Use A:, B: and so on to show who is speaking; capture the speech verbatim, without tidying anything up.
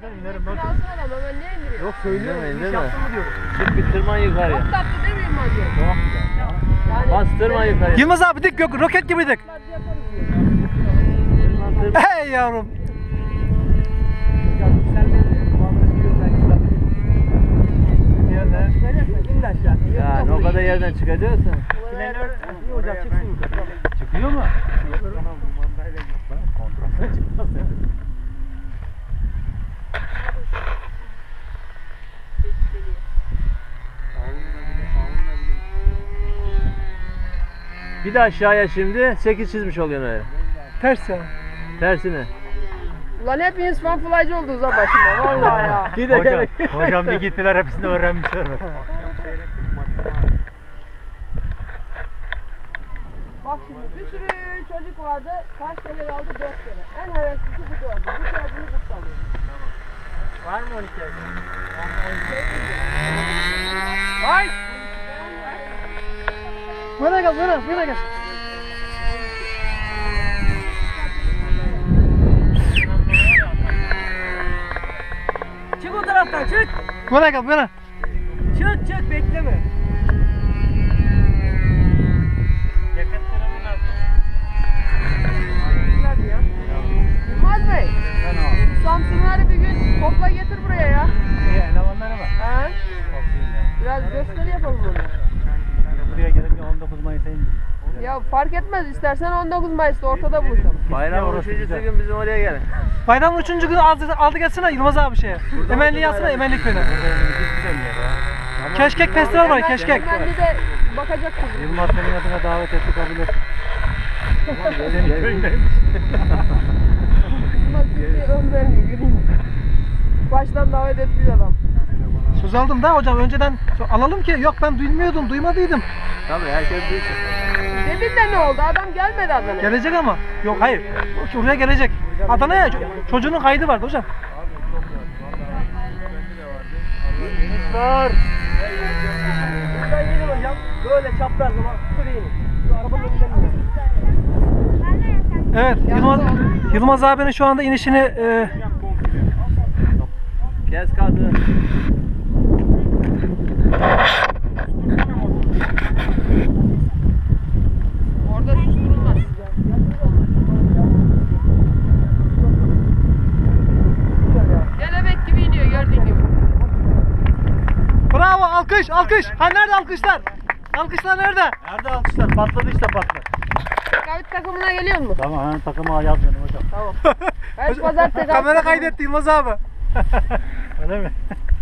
A: zaten inerim.
B: Kralsın adam hemen ne indiriyor?
A: Yok söylüyorum.
C: İndirme,
A: İniş
C: indirme.
A: yaptın mı diyorum.
C: Çık bir tırman yukarıya.
B: Çok tatlı değil miyim hacı?
A: Çok güzel ya.
B: Yani
C: Bastırma yukarıya.
D: Yılmaz abi dik yok roket gibi dik.
B: yaparız diyor.
C: Tırman tırman.
D: Hey yavrum.
A: Hocam yükselmeyin. Kulağımda gidiyor belki tabii. Yerler. İn de aşağı.
C: Yani o kadar yerden çıkacaksın.
A: Planör. İyi hocam çıksın yukarı. Çıkıyor mu? Tamam bu mandayla git. Kontrolden çıkmaz ya.
C: Bir de aşağıya şimdi sekiz çizmiş oluyorsun öyle.
D: Ters ya.
C: Tersine.
B: Ulan hepiniz fanflycı oldunuz ha başıma vallahi ya.
C: Gide
A: Hocam,
C: gel.
A: hocam bir gittiler hepsini öğrenmişler.
B: Bak şimdi bir sürü çocuk vardı. Kaç kere aldı? Dört kere. En heveslisi bu dördü. Bu dördünü kutlamıyor.
A: Var mı on iki yaş?
B: Vay!
D: Bana gel bana bana gel.
B: Çık o taraftan çık.
D: Bana gel bana.
B: Çık çık bekleme.
A: Yakıt durumu nasıl?
B: Güzel ya. Yılmaz Bey.
A: Ben o.
B: Samsunları bir gün topla getir buraya ya.
A: İyi elemanları var.
B: Ha?
A: Çok iyi ya.
B: Biraz gösteri yapalım onu.
A: Buraya gelip on dokuz Mayıs'a in.
B: Ya fark etmez istersen on dokuz Mayıs'ta ortada buluşalım.
C: Bayram
A: orası
C: üçüncü
A: güzel.
C: gün bizim oraya gelin.
D: Bayramın üçüncü günü aldı, aldı gelsene Yılmaz abi şeye. Emenli yazsana Emenli köyüne.
A: Güzel yer ya. Ama
D: Keşkek festival var keşkek.
B: Hemen de bakacak kızım.
A: Yılmaz senin adına davet etti kabul et. Senin köyündeymiş.
B: Yılmaz Türkiye ön vermiyor göreyim. Baştan davet ettiği adam.
D: Söz aldım da hocam önceden alalım ki yok ben duymuyordum duymadıydım.
C: Tabii herkes duysun.
B: Dedin de ne oldu? Adam gelmedi Adana'ya.
D: Gelecek ama. Yok hayır. Oraya gelecek. Adana'ya ço- çocuğunun kaydı vardı hocam.
A: Var.
B: Buradan gelin hocam. Böyle çapraz ama süreyim. Şu arabanın önünden mi?
D: Evet Yılmaz, Yılmaz abinin şu anda inişini e,
C: Kes kaldı.
B: Orada susturulmaz. Kelebek gibi iniyor gördüğün gibi.
D: bravo alkış alkış. Ha nerede alkışlar? Alkışlar nerede?
A: Nerede alkışlar? Patladı işte patladı.
B: Kavit takımına geliyor mu?
A: Tamam hemen takıma yazmayalım hocam.
B: Tamam. Her pazar tekrar.
D: Kamera kaydetti Yılmaz abi.
A: Öyle mi?